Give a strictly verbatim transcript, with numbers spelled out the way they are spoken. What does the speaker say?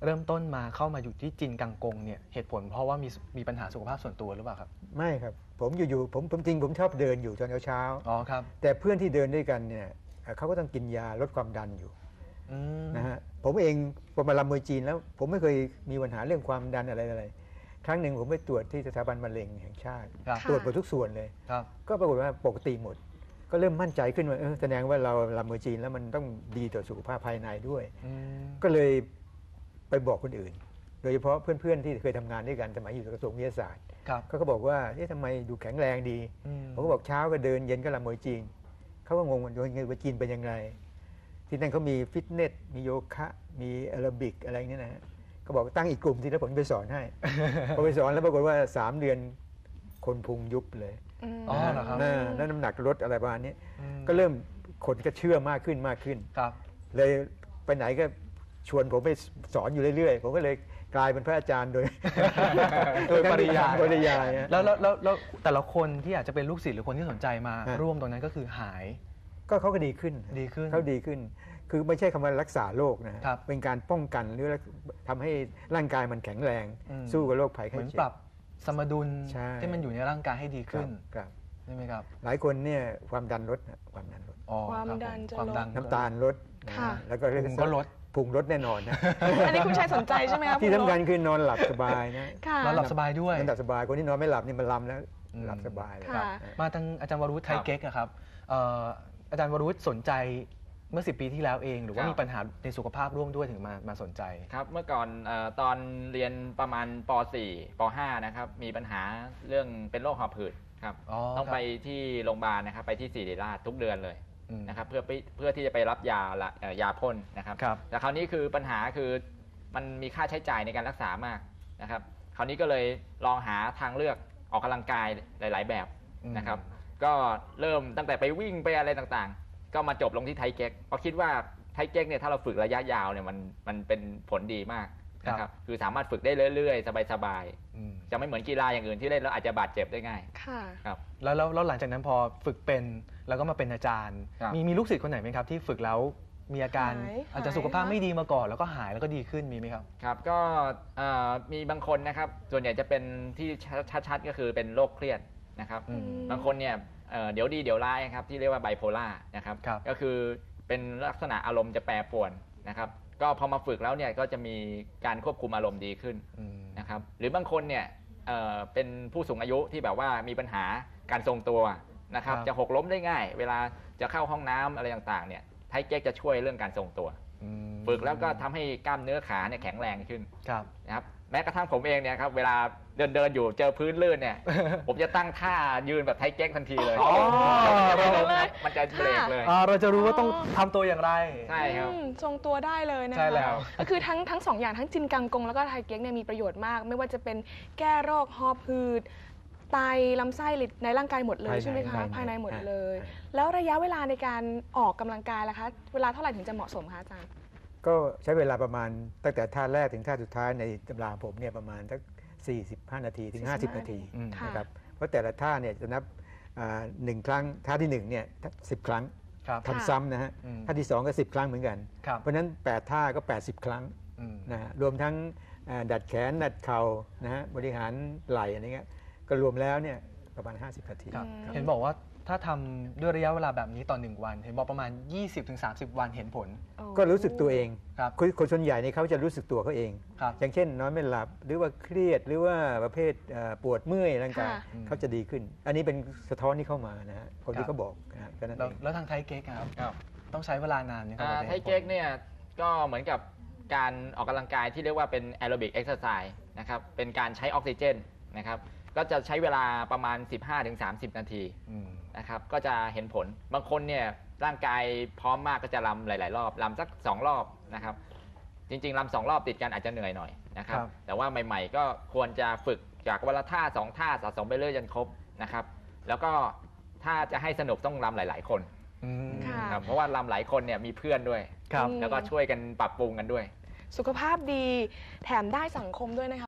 เริ่มต้นมาเข้ามาอยู่ที่จินกังกงเนี่ยเหตุผลเพราะว่ามีมีปัญหาสุขภาพส่วนตัวหรือเปล่าครับไม่ครับผมอยู่ๆผมผมจริงผมชอบเดินอยู่ตอนเช้าๆอ๋อครับแต่เพื่อนที่เดินด้วยกันเนี่ยเขาก็ต้องกินยาลดความดันอยู่นะฮะผมเองพอมาลำมวยจีนแล้วผมไม่เคยมีปัญหาเรื่องความดันอะไรอะไรครั้งหนึ่งผมไปตรวจที่สถาบันมะเร็งแห่งชาติตรวจหมดทุกส่วนเลยก็ปรากฏว่าปกติหมดก็เริ่มมั่นใจขึ้นว่าแสดงว่าเราลำมวยจีนแล้วมันต้องดีต่อสุขภาพภายในด้วยก็เลยไปบอกคนอื่นโดยเฉพาะเพื่อนๆที่เคยทำงานด้วยกันสมัยอยู่กระทรวงวิทยาศาสตร์เขาก็บอกว่าเอ๊ะทำไมดูแข็งแรงดีผมก็บอกเช้าก็เดินเย็นก็ลำมวยจีนเขาก็งงว่าว่าจีนเป็นยังไงที่นั่นเขามีฟิตเนสมีโยคะมีแอโรบิกอะไรเนี่ยนะฮะก็บอกตั้งอีกกลุ่มที่แล้วผมไปสอนให้พอไปสอนแล้วปรากฏว่าสามเดือนคนพุงยุบเลยอ๋อเหรอครับแล้วน้ำหนักลดอะไรประมาณนี้ก็เริ่มคนก็เชื่อมากขึ้นมากขึ้นเลยไปไหนก็ชวนผมไปสอนอยู่เรื่อยๆผมก็เลยกลายเป็นพระอาจารย์โดยโดยปริยายปริยายแล้วแล้วแล้วแต่ละคนที่อาจจะเป็นลูกศิษย์หรือคนที่สนใจมาร่วมตรงนั้นก็คือหายก็เขาก็ดีขึ้นดีขึ้นเขาดีขึ้นคือไม่ใช่คำว่ารักษาโรคนะเป็นการป้องกันหรือทำให้ร่างกายมันแข็งแรงสู้กับโรคภัยไข้เจ็บเหมือนปรับสมดุลที่มันอยู่ในร่างกายให้ดีขึ้นใช่ไหมครับหลายคนเนี่ยความดันลดความดันลดความดันจะลดน้ำตาลลดแล้วก็พุงก็ลดพุงลดแน่นอนนะอันนี้คุณชัยสนใจใช่ไหมครับที่สำคัญคือนอนหลับสบายนะนอนหลับสบายด้วยนอนหลับสบายคนที่นอนไม่หลับนี่มันลำแล้วหลับสบายเลยมาทางอาจารย์วรุษไทยเก๊กครับอาจารย์วรุษสนใจเมื่อสิบปีที่แล้วเองหรือว่ามีปัญหาในสุขภาพร่วมด้วยถึงมามาสนใจครับเมื่อก่อนตอนเรียนประมาณป สี่ ป ห้านะครับมีปัญหาเรื่องเป็นโรคหอบหืดครับต้องไปที่โรงพยาบาลนะครับไปที่ศิริราชทุกเดือนเลยนะครับเพื่อเพื่อที่จะไปรับยายาพ่นนะครับแต่คราวนี้คือปัญหาคือมันมีค่าใช้จ่ายในการรักษามากนะครับคราวนี้ก็เลยลองหาทางเลือกออกกำลังกายหลายๆแบบนะครับก็เริ่มตั้งแต่ไปวิ่งไปอะไรต่างๆก็มาจบลงที่ไทเก๊กเพราะคิดว่าไทเก๊กเนี่ยถ้าเราฝึกระยะยาวเนี่ยมันมันเป็นผลดีมากนะครับคือสามารถฝึกได้เรื่อยๆสบายๆจะไม่เหมือนกีฬาอย่างอื่นที่เล่นแล้วอาจจะบาดเจ็บได้ง่ายครับแล้วแล้วหลังจากนั้นพอฝึกเป็นแล้วก็มาเป็นอาจารย์มีมีลูกศิษย์คนไหนไหมครับที่ฝึกแล้วมีอาการอาจจะสุขภาพไม่ดีมาก่อนแล้วก็หายแล้วก็ดีขึ้นมีไหมครับครับก็มีบางคนนะครับส่วนใหญ่จะเป็นที่ชัดๆก็คือเป็นโรคเครียดนะครับบางคนเนี่ยเดี๋ยวดีเดี๋ยวร้ายครับที่เรียกว่าไบโพล่านะครับก็คือเป็นลักษณะอารมณ์จะแปรปรวนนะครับก็พอมาฝึกแล้วเนี่ยก็จะมีการควบคุมอารมณ์ดีขึ้นนะครับหรือบางคนเนี่ยเอ่อเป็นผู้สูงอายุที่แบบว่ามีปัญหาการทรงตัวนะครับจะหกล้มได้ง่ายเวลาจะเข้าห้องน้ำอะไรต่างๆเนี่ยไทเก๊กจะช่วยเรื่องการทรงตัวฝึกแล้วก็ทำให้กล้ามเนื้อขาเนี่ยแข็งแรงขึ้นนะครับแม้กระทั่งผมเองเนี่ยครับเวลาเดินเดินอยู่เจอพื้นลื่นเนี่ยผมจะตั้งท่ายืนแบบไทเก๊กทันทีเลยมันจะเบรกเลยเราจะรู้ว่าต้องทำตัวอย่างไรใช่ครับทรงตัวได้เลยนะใช่แล้วก็คือทั้งทั้งสองอย่างทั้งจินกังกงแล้วก็ไทเก๊กเนี่ยมีประโยชน์มากไม่ว่าจะเป็นแก้โรคหอบหืดไตลำไส้ในร่างกายหมดเลยใช่ไหมคะภายในหมดเลยแล้วระยะเวลาในการออกกำลังกายล่ะคะเวลาเท่าไหร่ถึงจะเหมาะสมคะอาจารย์ก็ใช้เวลาประมาณตั้งแต่ท่าแรกถึงท่าสุดท้ายในตำราผมเนี่ยประมาณสักสี่สิบห้านาทีถึงห้าสิบนาทีนะครับเพราะแต่ละท่าเนี่ยจะนับหนึ่งครั้งท่าที่หนึ่งเนี่ยสิบครั้งทำซ้ำนะฮะท่าที่สองก็สิบครั้งเหมือนกันเพราะฉะนั้นแปดท่าก็แปดสิบครั้งนะฮะรวมทั้งดัดแขนดัดเข่านะฮะบริหารไหล่อะไรเงี้ยก็รวมแล้วเนี่ยประมาณห้าสิบนาทีเห็นบอกว่าถ้าทำด้วยระยะเวลาแบบนี้ต่อหนึ่งวันเห็นบอกประมาณ ยี่สิบถึงสามสิบ วันเห็นผลก็รู้สึกตัวเองคนส่วนใหญ่เนี่ยเขาจะรู้สึกตัวเขาเองอย่างเช่นนอนไม่หลับหรือว่าเครียดหรือว่าประเภทปวดเมื่อยร่างกายเขาจะดีขึ้นอันนี้เป็นสะท้อนที่เข้ามานะฮะคนที่เขาบอกนะแล้วทางไทเก๊กครับต้องใช้เวลานานไหมครับไทเก๊กเนี่ยก็เหมือนกับการออกกำลังกายที่เรียกว่าเป็นแอโรบิกเอ็กซ์ไซส์นะครับเป็นการใช้ออกซิเจนนะครับก็จะใช้เวลาประมาณ สิบห้าถึงสามสิบ นาทีนะครับก็จะเห็นผลบางคนเนี่ยร่างกายพร้อมมากก็จะรำหลายๆรอบรำสักสองรอบนะครับจริงๆรำสองรอบติดกันอาจจะเหนื่อยหน่อยนะครับแต่ว่าใหม่ๆก็ควรจะฝึกจากวันละท่าสองท่าสะสมไปเรื่อยจนครบนะครับแล้วก็ถ้าจะให้สนุกต้องรำหลายๆคนครับเพราะว่ารำหลายคนเนี่ยมีเพื่อนด้วยแล้วก็ช่วยกันปรับปรุงกันด้วยสุขภาพดีแถมได้สังคมด้วยนะคะ